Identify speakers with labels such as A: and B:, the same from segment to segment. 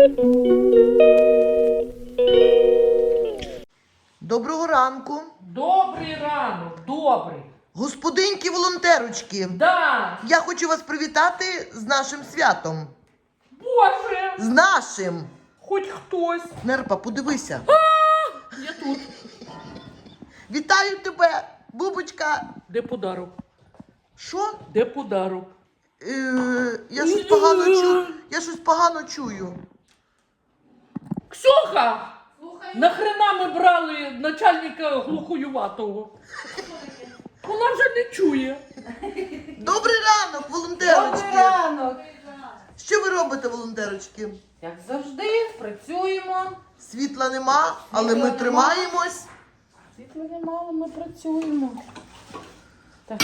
A: Доброго ранку.
B: Добрий ранок, добрий.
A: Господинки-волонтерочки.
B: Да.
A: Я хочу вас привітати з нашим святом.
B: Боже,
A: З нашим.
B: хоч хтось.
A: Нерпа, подивися.
B: Я тут.
A: Вітаю тебе, бубочка.
B: Де подарок?
A: Що?
B: Де подарок?
A: Я щось погано чую. Я щось погано чую.
B: Ксюха! Нахрена ми брали начальника глухоюватого? Вона вже не чує.
A: Добрий ранок, волонтерочки.
C: Добрий ранок!
A: Що ви робите, волонтерочки?
C: Як завжди, працюємо.
A: Світла нема, але
C: Світла
A: ми
C: нема.
A: тримаємось.
C: Світла немало, ми працюємо. Так.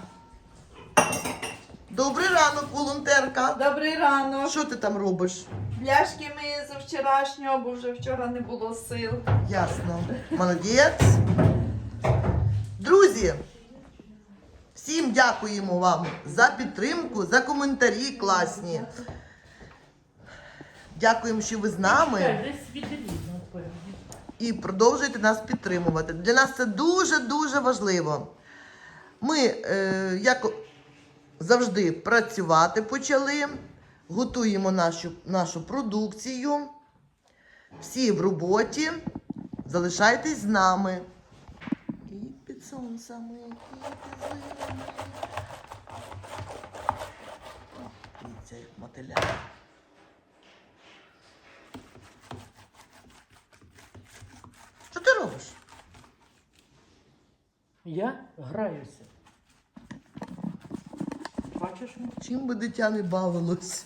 A: Добрий ранок, волонтерка.
D: Добрий ранок.
A: Що ти там робиш?
D: Пляшки ми за вчорашнього, бо вже вчора не було сил.
A: Ясно. Молодець. Друзі, всім дякуємо вам за підтримку, за коментарі класні. Дякуємо, що ви з нами
B: Десь відрізно, напевно.
A: і продовжуєте нас підтримувати. Для нас це дуже-дуже важливо. Ми, як завжди, працювати почали, готуємо нашу продукцію. Всі в роботі. Залишайтесь з нами. І під сонцями, і під зимами. Дивіться, як мотиля. Що ти робиш?
B: Я граюся. Бачиш?
A: Чим би дитя не бавилось?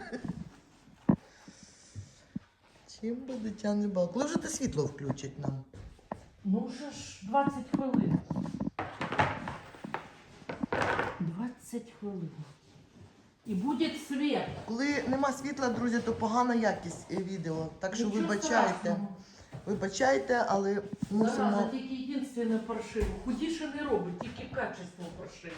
A: Чим би дитя не бавилось? Коли вже те світло включить нам?
B: Ну вже ж 20 хвилин. 20 хвилин. І буде світ.
A: Коли нема світла, друзі, то погана якість відео. Так що
B: Нічого
A: вибачайте.
B: страшного.
A: Вибачайте, але
B: Зараза,
A: мусимо...
B: тільки єдине паршиво. Худіше не робить, тільки качество паршиво.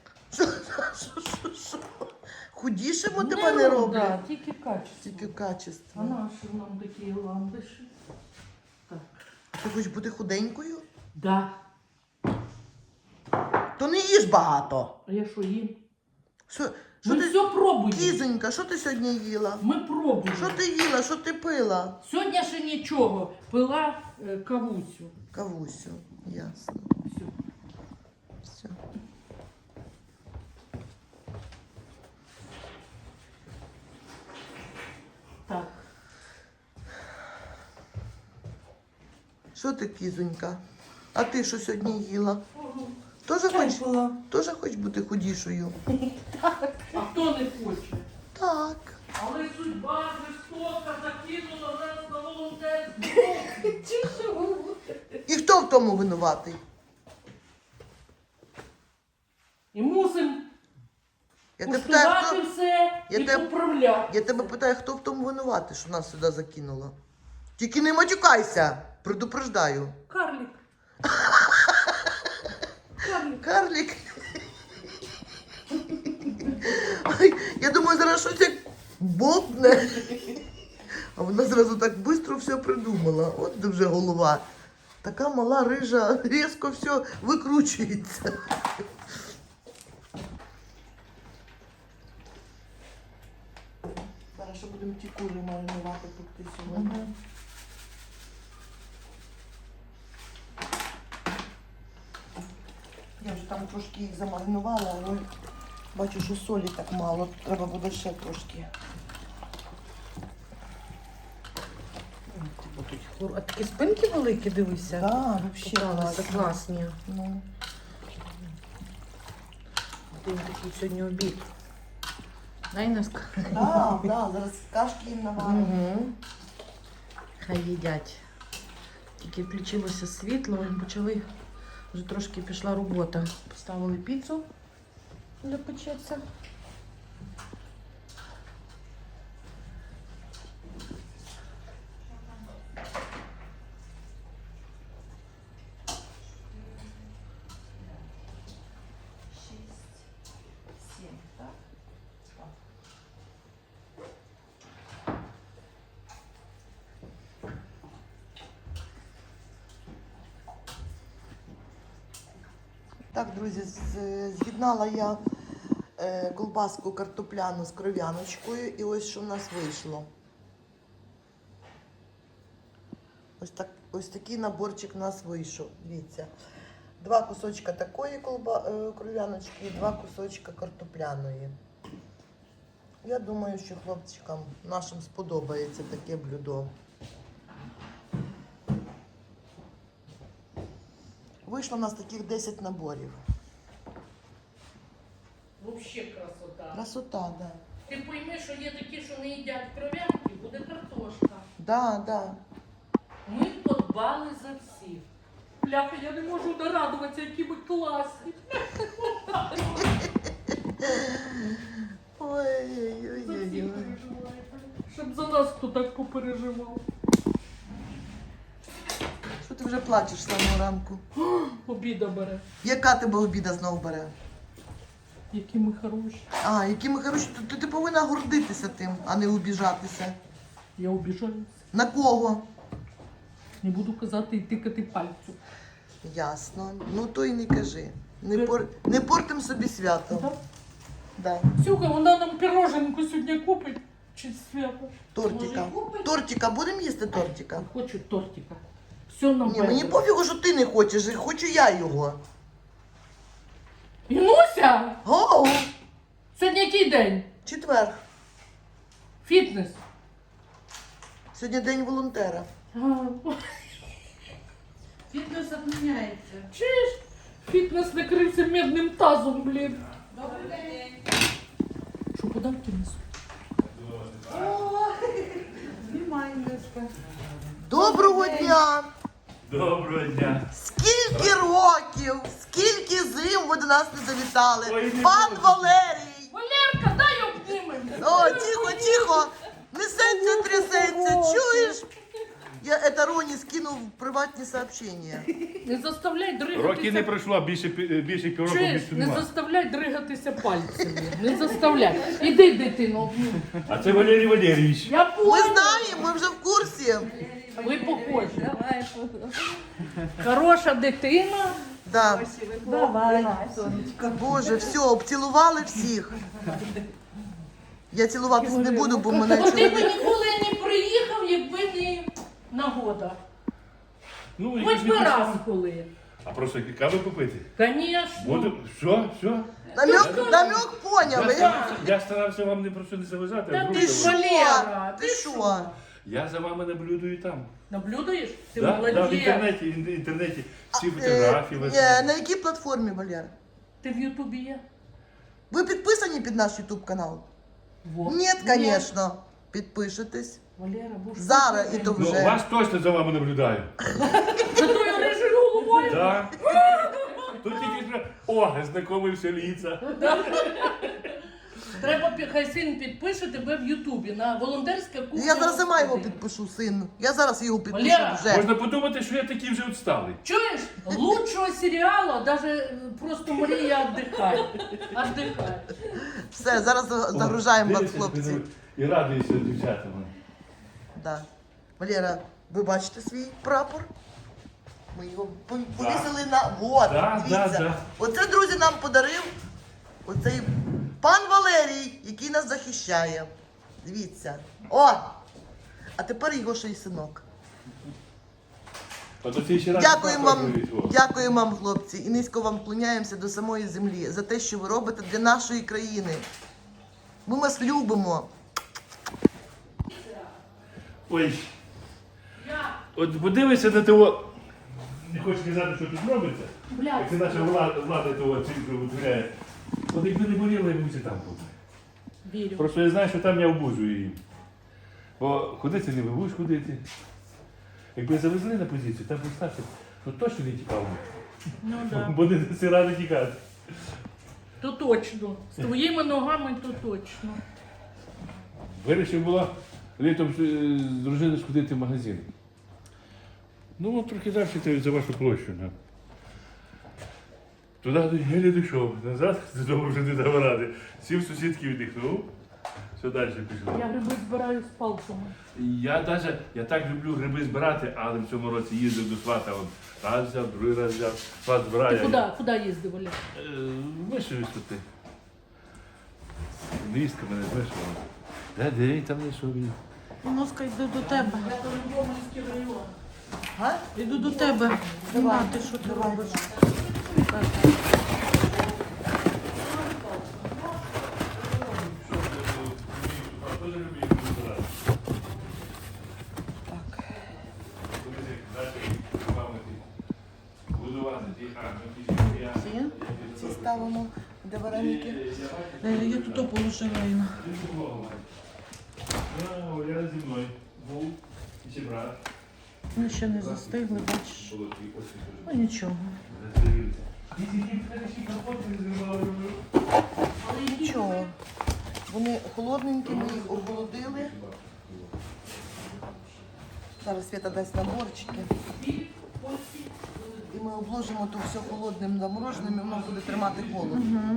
A: Що? Худішимо тебе не роблять?
B: Да, тільки качество.
A: Тільки качество.
B: А наші нам такі ландиші. Так.
A: Ти хочеш бути худенькою?
B: Да.
A: То не їж багато.
B: А я що їм?
A: Що
B: Ми
A: ти...
B: все пробуємо.
A: Кізонька, що ти сьогодні їла?
B: Ми пробуємо.
A: Що ти їла? Що ти пила?
B: Сьогодні ще нічого. Пила кавусю.
A: Кавусю. Ясно.
B: Все.
A: Все.
B: Так.
A: Що ти, кізонька? А ти що сьогодні їла? Тоже хочеш бути худішою?
B: А хто не хоче?
A: Так.
B: Але судьба жорстока закинула нас на волонтерство.
A: І хто в тому винуватий?
B: І мусимо
A: Я тебе питаю,
B: успівати
A: хто...
B: все
A: Я
B: і
A: тебе-
B: поправляти.
A: Я тебе питаю, хто в тому винуватий, що нас сюди закинуло? Тільки не матюкайся, предупреждаю.
B: Карлік. Карлік.
A: Карлік. Ой, я думаю, зараз щось як бопне. А вона зразу так швидко все придумала. От де вже голова. Така мала рижа, різко все викручується. Зараз ще будемо ті кури маринувати пекти сьогодні. Я вже там трошки їх замаринувала, але бачу, що солі так мало. Треба буде ще трошки.
C: А такі спинки великі, дивися.
A: Так, взагалі
C: Попалися, класні.
A: Ну,
C: Один такий сьогодні обід. Дай нас.
A: так, зараз кашки їм наваримо.
C: Угу. Хай їдять. Тільки включилося світло, і почали, вже трошки пішла робота. Поставили піцу для печеться.
A: Так, друзі, з'єднала я колбаску картопляну з кров'яночкою. І ось що в нас вийшло. Ось такий наборчик у нас вийшов. Дивіться. 2 кусочка такої кров'яночки і 2 кусочка картопляної. Я думаю, що хлопчикам нашим сподобається таке блюдо. Вийшло у нас таких 10 наборів.
B: Взагалі красота.
A: Красота, так. Да.
B: Ти пойми, що є такі, що не їдять кров'янки, буде картошка.
A: Да, да.
B: Ми подбали за всіх. Бляха, я не можу нарадуватися, які ви класні. За всіх
A: Ой-ой-ой.
B: переживаєте. Щоб за нас хто так попереживав.
A: Що ти вже плачеш з самого ранку?
B: Обіда бере.
A: Яка тебе обіда знову бере?
B: Які ми хороші.
A: А, які ми хороші, то ти повинна гордитися тим, а не обіжатися.
B: Я обіжаюся.
A: На кого?
B: Не буду казати і тикати пальцю.
A: Ясно. Ну то й не кажи. Не портим собі свято.
B: Так?
A: Да.
B: Сюха, вона нам пироженку сьогодні купить. Чи свято?
A: Тортика.
B: Може, купить?
A: Тортика, будемо їсти тортика?
B: Хочу тортика. Все нам
A: Ні, мені пофігу, що ти не хочеш, хочу я його.
B: Інуся!
A: Гоу!
B: Сьогодні який день?
A: Четвер.
B: Фітнес.
A: Сьогодні день волонтера.
C: Фітнес відміняється.
B: Чиш? Фітнес накрився медним тазом, блін.
C: Добрий день.
B: Що подарки несуть?
C: Знімай, Лешка.
A: Доброго дня!
E: Доброго дня.
A: Скільки років, скільки зим ви до нас не завітали?
E: Ой, не
A: Пан
E: можу.
A: Валерій!
B: Валерка, дай обнімемо.
A: О, тихо, тихо! Несеться, трясеться, чуєш? Я это Роні скинув в приватні сообщення.
B: Не заставляй дригатися.
E: Роки не пройшло, більше півроку
B: Чуєш,
E: більше
B: не
E: нема.
B: заставляй дригатися пальцями. Не заставляй. Іди, дитино, обнімемо.
E: А це Валерій Валерійович.
B: Я
A: Ми
B: понял.
A: знаємо, ми вже в курсі.
B: Ви похожі. Хороша дитина.
A: Да.
C: Давай.
A: Боже, все, обцілували всіх. Я цілуватись не буду, бо мене
B: Ну, ти б
A: чоловік.
B: ніколи не приїхав, якби не нагода.
E: Ну,
B: Хоч
E: якось
B: би
E: не
B: раз
E: пройшло.
B: коли.
E: А просто кави попити.
B: Конечно.
E: Буду. Все.
A: Намек поняли.
E: Я старався вам не просто не заважати,
B: Та
E: а
B: ти
E: друг
B: що?
E: заважати.
B: Валера,
A: Ти
B: ти
A: що?
E: Я за вами наблюдаю там.
B: Наблюдаєш? Ти
E: Да,
B: молодець.
E: в інтернеті всі фотографії.
A: На якій платформі, Валер?
B: Ти в Ютубі є?
A: Ви підписані під наш YouTube канал?
B: Во.
A: Ні, звісно. Підпишитесь.
B: Валера, бо що
A: Зараз
B: ти
A: і то
E: Ну,
A: вже.
E: вас точно за вами наблюдаю.
B: За тою рижою головою?
E: Так. Тут тільки вже, знайомився ліца.
B: Треба, хай син підпише тебе в Ютубі на волонтерська кухня.
A: Я зараз сама його
B: Господи.
A: підпишу, син. Я зараз його підпишу
B: Валера!
A: вже.
E: Можна подумати, що я такий вже відсталий.
B: Чуєш? Лучшого серіалу даже просто Марія віддихає. Віддихає.
A: Все, зараз загружаємо вас,
E: Дивишся,
A: хлопці.
E: І радуюся дівчатам.
A: Да. Валера, ви бачите свій прапор? Ми його повісили на... Вот,
E: Да,
A: дивіться.
E: да.
A: Оце, друзі, нам подарив оцей пан Валерій, який нас захищає. Дивіться. О! А тепер його ще й синок.
E: От оцей ще раз
A: Дякуємо вам,
E: показують, о.
A: дякуємо вам, хлопці, і низько вам вклоняємося до самої землі за те, що ви робите для нашої країни. Ми вас любимо.
E: Ой. От подивися на того. Не хочу сказати, що тут робиться.
B: Блядь.
E: Як це наша влада того цифру витворяє. От якби не боліло, я б усі там був.
B: Вірю.
E: Просто я знаю, що там я обузую її. Бо ходити не будеш ходити. Якби завезли на позицію, там постався, що точно не тікав би.
B: Ну да.
E: Бо не даси ради тікати.
B: То точно. З твоїми ногами то точно.
E: Вирішив було літом з дружиною сходити в магазин. Ну, от трохи далі за вашу площу. Да. Туди я не дійшов. Назад додому вже не дав ради. Сів сусідки віддихнув. Все далі пішло.
B: Я гриби збираю з палками.
E: Я так люблю гриби збирати, але в цьому році їздив до свата. Раз взяв, другий раз взяв. Сват збирає.
B: Ти куди їздив, Оля?
E: Вишивись тут. Невістка мене вишивала. Де там не шові.
C: Носка, йду до тебе.
B: Я то Любомльський район.
A: А?
C: Йду до тебе. Нема, ти що ти робиш?
A: Ці? Ці ставимо, де вареники.
C: Я тут положила Інна.
E: Я зі мною був і ще брат.
C: Ми ще не застигли, бачиш. Ну нічого.
A: Нічого. Вони холодненькі, ми їх охолодили. Зараз Свята дасть наборчики. І ми обложимо то все холодним замороженим, і воно буде тримати холод.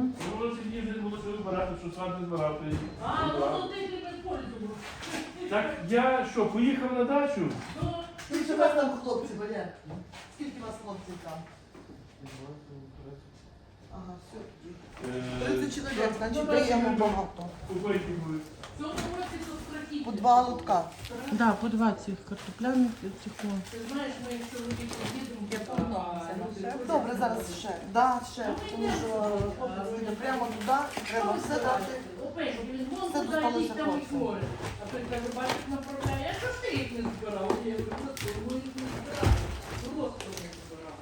E: Так я що, поїхав на дачу?
A: Скільки у вас там хлопці, Валер? Скільки у вас хлопців там? Ага, все. 30 чоловік, значить даємо багато.
B: В цьому році тут страхіття.
A: По 2 лотка.
C: Да, по 2 цих картопляних і цих.
B: Ти знаєш, ми як чоловік їдемо, я
A: Добре, зараз ще. Да, ще. Тому що буде прямо туди, треба все дати.
B: Опять, він вон
A: Все
B: туди
A: досталося
B: їх там і
A: хлопцям.
B: море. А той каже, бачиш, направляє, а що ж ти їх не збирав? Я говорю, за це, ми їх не збирали. Просто не збирали.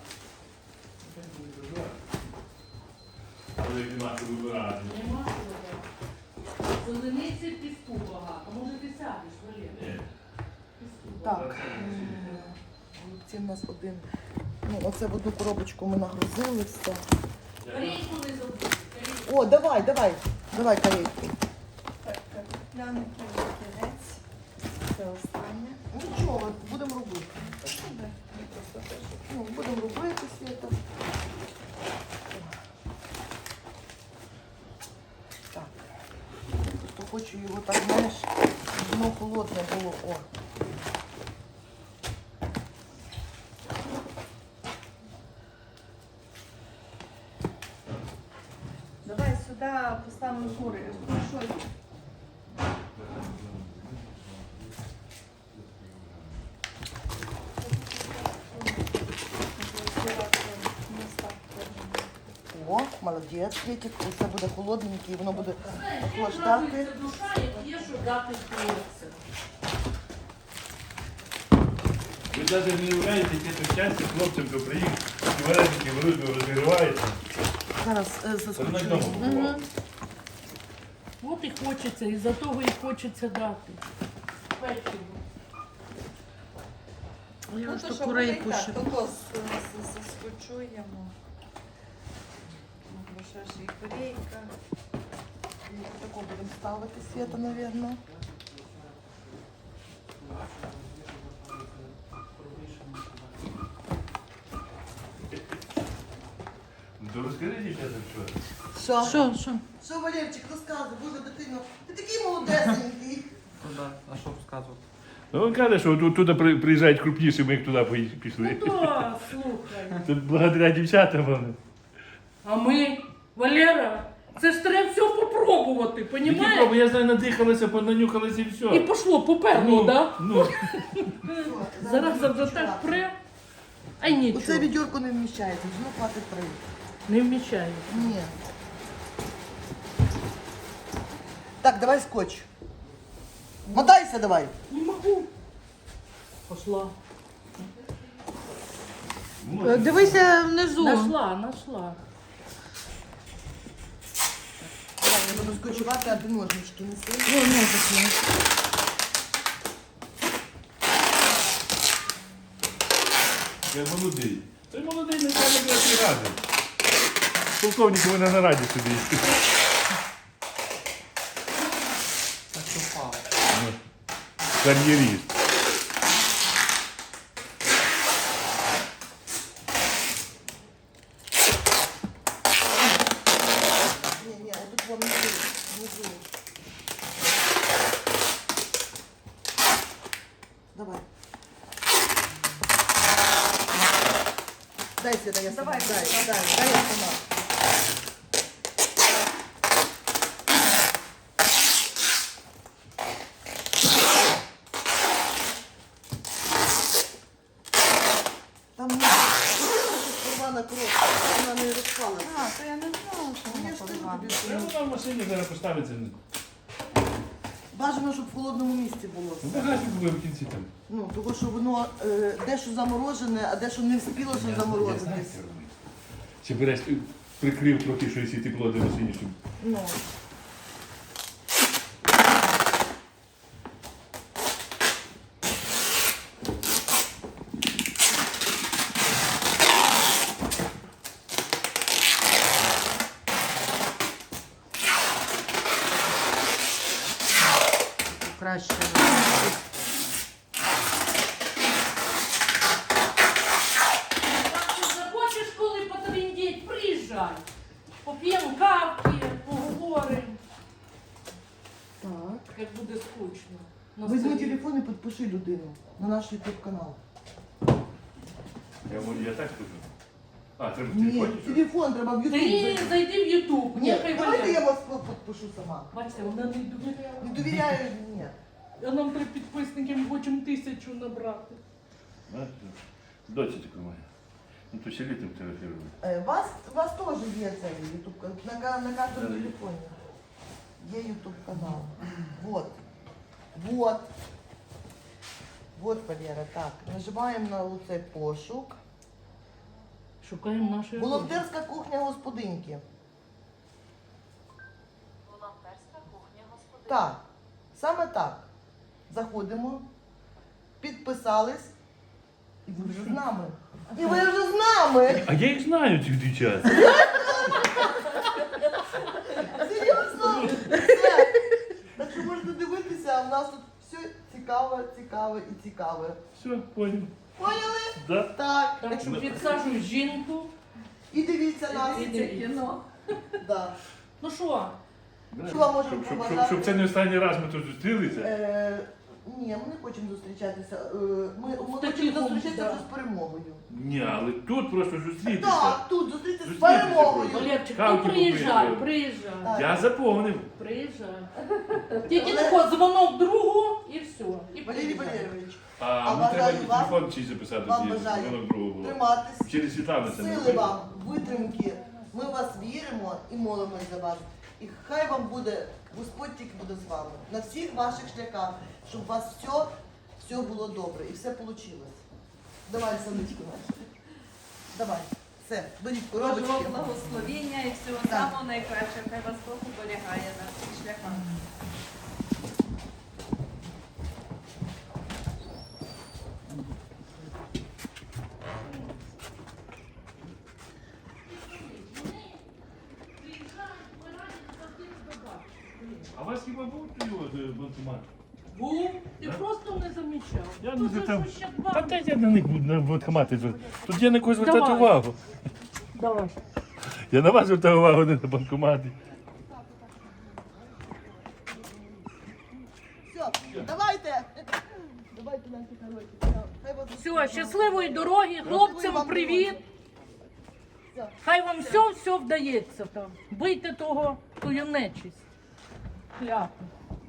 E: Але як нема що вибирати.
B: Нема що вибирати. Зелениці піску багато. Може ти сядеш, Валерія? Піску багато.
A: Так. Ці в нас один. Ну, оце в одну коробочку ми нагрузили все.
B: Корейку не забудь.
A: О, давай, давай. Давай корейку.
D: Картопляний кінець. Це останнє.
A: Нічого, будемо робити. Ну, будемо робити Свята. Так. Просто хочу його так, знаєш, щоб воно холодне було. О.
D: Давай сюди поставимо кури. Що є?
A: О, молодець, Світик. Це буде холодненьке, і воно буде
B: Знаєш,
A: охлаждати.
B: як радується душа, як є, що дати хлопцям.
E: Ви навіть не уявляєте, яке то щастя хлопцям, хто приїхав, і вареники велико розігріваються.
A: Зараз
E: Це на
A: заскочу.
E: вдома бувало.
B: От і хочеться, і за того і хочеться дати. Печиво.
C: Я
D: Ну
C: ж
D: то
C: то
D: що,
C: курейку
D: так,
C: ще.
D: то заскочуємо. Бо що ж і корейка.
A: Таку будемо ставити Свята, мабуть.
E: Ну то розкажи, дівчата, що?
C: Що?
A: Що, Валерчик, розказуй, боже, дитино, ти такий молодесенький.
F: А що розказувати?
E: Ну, він каже, що туди приїжджають крупніші, ми їх туди пішли.
B: Ну так, слухай.
E: Це благодаря дівчатам вони.
B: А ми, Валера, це ж треба все попробувати,
E: Які
B: понімаєш?
E: проби, я знаю, надихалися, понанюхалися і все.
B: І пошло, поперло, так?
E: Ну,
B: Зараз завжди так пре. Ай
A: Оце
B: нічого,
A: відьорко не вміщається, воно хватить 3.
B: не вмічаю.
A: Ні. Так, давай скотч. Мотайся давай.
B: Не можу. Пошла.
C: Дивися внизу.
B: Нашла.
A: Давай, я буду скотчувати, а ти ножнички неси.
C: О, ножик.
E: я молодий. Той молодий не треба брати ради. Полковник у мене на раді собі.
F: Так що впав.
E: Кар'єріст.
A: Ні, отут вам внизу. Дай Света, я сама.
D: Давай,
A: Дай я сама. Там порвана кров, вона не розпалася.
D: А, то я не знала, що
A: Ну, я
D: вона
A: ж кажу
D: порвана.
A: тобі, що
E: Вона в машині зараз поставиться.
A: бажано, щоб в холодному місці було.
E: Ну, багажник буде в кінці там.
A: Ну, тому що воно дещо заморожене, а дещо не встигло, що
E: Я знаю,
A: заморозитись.
E: як робити. Чи береш, прикрив трохи, що якщо тепло до машині, щоб
A: Ну.
C: Краще.
B: Так ти захочеш, коли потріндіть, приїжджай. Поп'ємо кавки, поговоримо,
A: Так.
B: як буде скучно. На
A: Візьми
B: селі.
A: телефон і підпиши людину на наш YouTube канал.
E: я так скажу. А, треба в
A: Ні,
E: телефоні? що?
A: телефон треба в YouTube.
B: Ти
A: зайти.
B: зайди в Ютуб,
A: Ні,
B: нехай
A: давайте я
B: валяє.
A: вас підпишу сама.
B: Бачите, вона не довіряє.
A: Не довіряю, ні.
B: А нам 3 підписники, ми хочемо 1000 набрати.
E: Доця така моя. Ну, то ще літом телефонує.
A: У вас теж є цей YouTube канал. На кожному телефоні. Є YouTube канал. Вот. Вот. Вот, Валера, так. Нажимаємо на оцей пошук.
B: Шукаємо наші.
A: Волонтерська кухня господинки.
G: Волонтерська кухня господині.
A: Так, саме так. Заходимо, підписались, і ви вже з нами. І ви вже з нами!
E: А я їх знаю, цих дівчат.
A: Серйозно? Все. Так що можете дивитися, а в нас тут все цікаве, цікаве і цікаве.
E: Все, понял.
A: Поняли?
E: Да?
A: Так.
B: Так що підсаджуй жінку.
A: І дивіться нас.
B: І
D: Це кіно.
A: Да.
B: Ну що,
A: Що вам можемо побажати?
E: Щоб це не останній раз ми тут зустрілися.
A: Ні, ми не хочемо зустрічатися. Ми
B: Такий
A: хочемо зустрічатися
B: да.
A: вже з перемогою.
E: Ні, але тут просто зустрітися.
A: Так, тут зустрітися з
E: Зустрітися
A: перемогою.
E: хочемо.
B: Валерчик,
E: Кавки
B: ну приїжджай,
E: попити.
B: приїжджай.
A: Так.
E: Я заповнив.
B: Приїжджай. Тільки тако дзвонок другу і все. І
A: Валерій
B: приїжджай.
A: Валерійович,
E: А мені
A: бажаю
E: треба
A: вам-
E: телефон чийсь записати.
A: вам
E: тоді,
A: бажаю
E: воно другого було.
A: триматись.
E: Через Світлану це не
A: Сили вам, витримки. Ми в вас віримо і молимось за вас. І хай вам буде, Господь тільки буде з вами. На всіх ваших шляхах, щоб у вас все було добре і все вийшло. Давай, сонечко наше. Давай. Все, беріть
D: Божого
A: коробочки.
D: благословіння і всього
A: Так.
D: самого найкращого. Хай вас Бог оберігає на всіх шляхах.
E: А у вас хіба був його банкомат?
B: Був, ти
E: Да?
B: просто не замічав.
E: Я
B: То
E: не
B: за
E: там.
B: що ще
E: Та
B: два?
E: де я на них буду на банкомати. Тут я на когось звертати
B: Давай.
E: увагу.
B: Давай.
E: Я на вас звертаю увагу, не на банкомати.
A: Все, давайте. Давайте наші хороші. Хай вас
B: Все, щасливої дороги, хлопцям привіт.
A: Все.
B: Хай вам все вдається там. Бийте того, тую нечисть. Кляпу.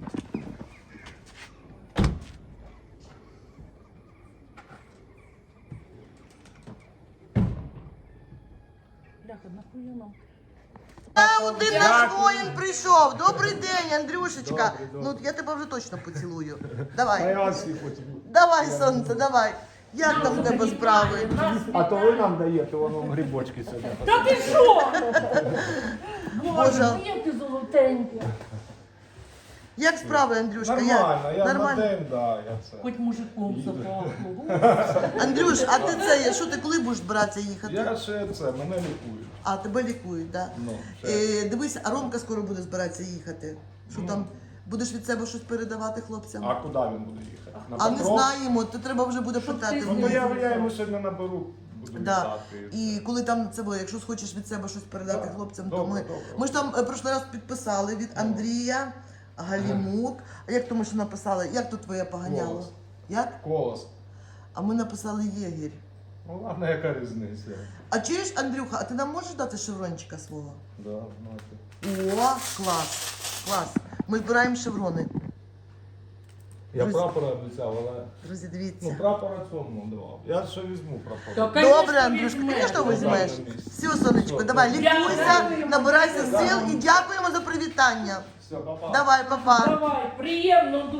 B: Бляха, нахуя нам?
A: Один наш воїн прийшов. Добрий день, Андрюшечка. Ну, я тебе вже точно поцілую. Давай. Давай, сонце, давай. Як там в тебе справи?
H: А то ви нам даєте, воно грибочки сидять.
B: Та ти що?
A: Боже.
B: Боже, моє ти золотеньке.
A: Як справи, Андрюшка?
H: Нормально, я на
A: Нормально.
H: день, да, я це.
B: Хоч мужиком запахло.
A: Андрюш, а ти це, що ти коли будеш збиратися їхати?
H: Я ще це, мене лікують.
A: А, тебе лікують, так?
H: Ну,
A: Да?
H: ще.
A: Дивись, а Ромка скоро буде збиратися їхати. Що там, будеш від себе щось передавати хлопцям?
H: А куди він буде їхати? На
A: А не
H: Петров?
A: знаємо, то треба вже буде
B: Щоб
A: питати.
B: ти
A: в
H: Ну, то
A: нього.
H: я йому сьогодні наберу, буду
A: Да.
H: літати.
A: І коли там це було, якщо схочеш від себе щось передати
H: Так.
A: хлопцям, то
H: Добре,
A: ми.
H: добре.
A: Ми ж там прошлий раз підписали від Андрія, Галімук. А як то ми ще написали? Як то твоє поганяло?
H: Голос.
A: Як?
H: Колос.
A: А ми написали Єгір.
H: Ну ладно, яка різниця?
A: А чуєш, Андрюха, а ти нам можеш дати шеврончика свого?
H: Да, знаєте.
A: О, клас, клас. Ми збираємо шеврони.
H: Я
A: Друзі.
H: прапора обіцяв, але...
A: Друзі,
H: Ну,
A: дивіться.
H: прапора цьому давав. Я ще візьму прапор.
B: Так, конечно,
A: Добре, Андрюшка,
B: візьмеш.
A: звісно, візьмеш. Все, сонечко,
H: Все,
A: давай,
H: добре.
A: лікуйся,
B: Дякую.
A: набирайся сил і дякуємо за привітання.
H: Все, папа.
A: Давай, папа.
B: Давай, приємно дуже.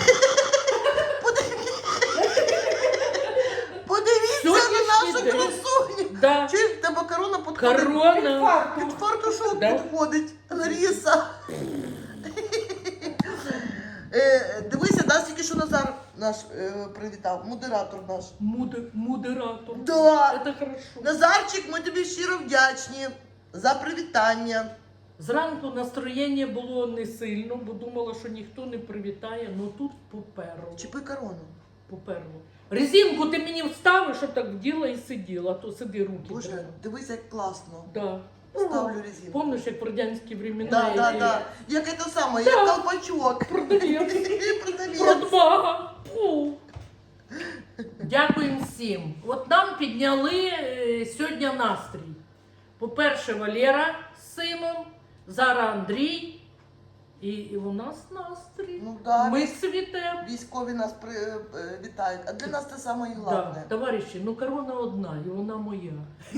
A: Подивіться на нашу
B: Сьогоднішній день.
A: красуню.
B: Да.
A: Чуєш, в тебе корона підходить?
B: Корона.
A: Під фартушок
B: Да.
A: підходить. Лариса. Дивися, нас тільки що Назар наш привітав, модератор наш.
B: Модератор.
A: Да.
B: Це хорошо.
A: Назарчик, ми тобі щиро вдячні за привітання.
B: Зранку настроєння було не сильно, бо думала, що ніхто не привітає, ну тут поперло.
A: Чіпи корону.
B: Поперло. Резинку ти мені вставиш, щоб так вділа і сиділа, а то сиди руки.
A: Боже,
B: треба.
A: дивись, як класно.
B: Да.
A: Ставлю резинку.
B: Помниш, як в радянські времена?
A: Да, да,
B: і-
A: да. Як це саме, як колпачок.
B: Продавець.
A: Продавець.
B: Продбага. Фу. Дякуємо всім. От нам підняли сьогодні настрій. По-перше, Валера з сином, зараз Андрій. І у нас настрій.
A: Ну да,
B: Ми цвітемо.
A: військові нас вітають. А для нас це саме
B: Да,
A: головне.
B: товариші, ну корона одна, і вона моя.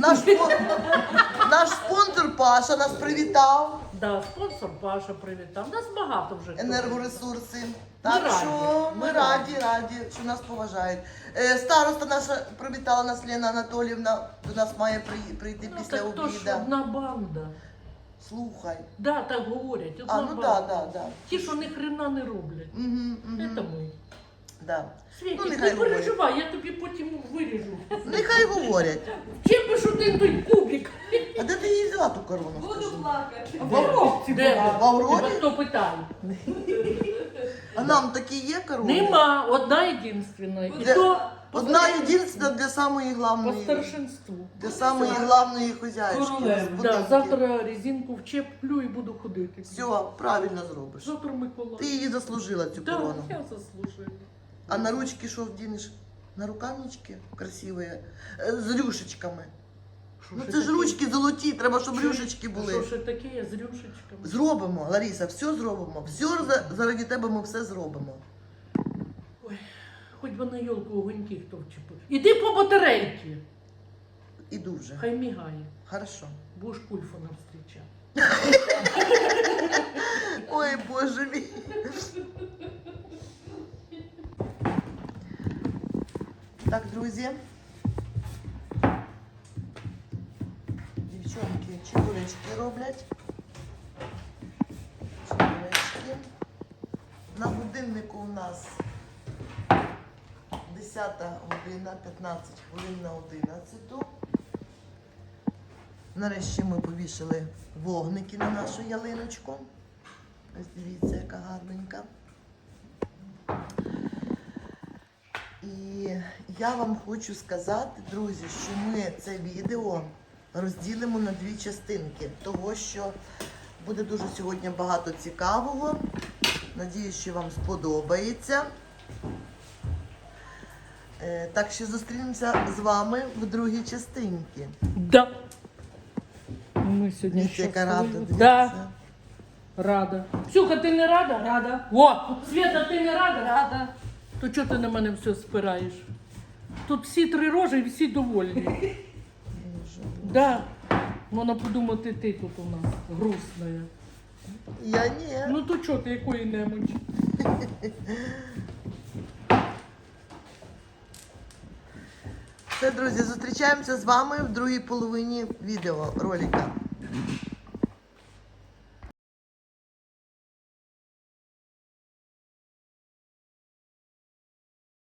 A: Наш спонсор Паша нас привітав.
B: Да, спонсор Паша привітав. Нас багато вже. хто
A: Енергоресурси.
B: Ми
A: Так
B: раді,
A: що
B: ми
A: ми раді, що нас поважають. Староста наша привітала нас Лена Анатоліївна. До нас має прийти
B: Ну,
A: після
B: так то ж
A: обіду.
B: одна банда.
A: Слухай.
B: Да, так говорять. Одна
A: А, ну
B: банда.
A: да.
B: Ті, що ні хрена не роблять. Це ми.
A: Да.
B: Світик,
A: Ну,
B: не
A: нехай говорять.
B: переживай, я тобі потім виріжу.
A: Нехай говорять.
B: Чим би ж один той кубик?
A: А де ти її взяла ту корону?
D: Буду
A: Скажи?
D: плакати.
B: В Авровці
A: В Аврові?
B: Тебе хто питає?
A: А нам такі є корони?
B: Нема, одна єдинственна. І
A: Де-
B: то
A: Одна єдинственна для самої
B: по
A: главної.
B: старшинству.
A: Для самої главної хозяйки.
B: Да,
A: господинки.
B: завтра резинку вчеплю і буду ходити.
A: Все, правильно зробиш.
B: Завтра Микола.
A: Ти її заслужила, цю
B: Да,
A: корону.
B: я заслужила.
A: А на ручки що вдінеш? На рукавнички красиві, з рюшечками.
B: Що
A: Ну
B: ще
A: це ж
B: таке?
A: ручки золоті, треба, щоб
B: Що-
A: рюшечки
B: Що
A: були.
B: ще таке, я з рюшечками.
A: Зробимо, Лариса, все зробимо. Все заради тебе ми все зробимо.
B: Хоч би на йолку огоньки хто вчепив. Іди по батарейки.
A: Іду вже.
B: Хай мігає.
A: Хорошо.
B: Будеш кульфона зустрічати.
A: Ой, Боже мій. Так, друзі. Дівчонки чебуречки роблять. Чебуречки. На годиннику у нас 10 година, 15 хвилин на 11. Нарешті ми повішали вогники на нашу ялиночку. Ось дивіться, яка гарненька. І я вам хочу сказати, друзі, що ми це відео розділимо на дві частинки, того що буде дуже сьогодні багато цікавого. Надіюсь, що вам сподобається. Так що зустрінемося з вами в другій частинці.
B: Да. Ми сьогодні
A: Дивіться, яка рада,
B: щасливі.
A: дивіться.
B: Да, рада. Ксюха, ти не рада?
D: Рада.
B: О, Свята, ти не рада?
D: Рада.
B: То чого ти на мене все спираєш? Тут всі три рожі і всі довольні.
A: Боже.
B: Да. Можна подумати, ти тут у нас грустна.
A: Я ні.
B: Ну то чого ти, якої немочі?
A: Все, друзі, зустрічаємося з вами в другій половині відео ролика.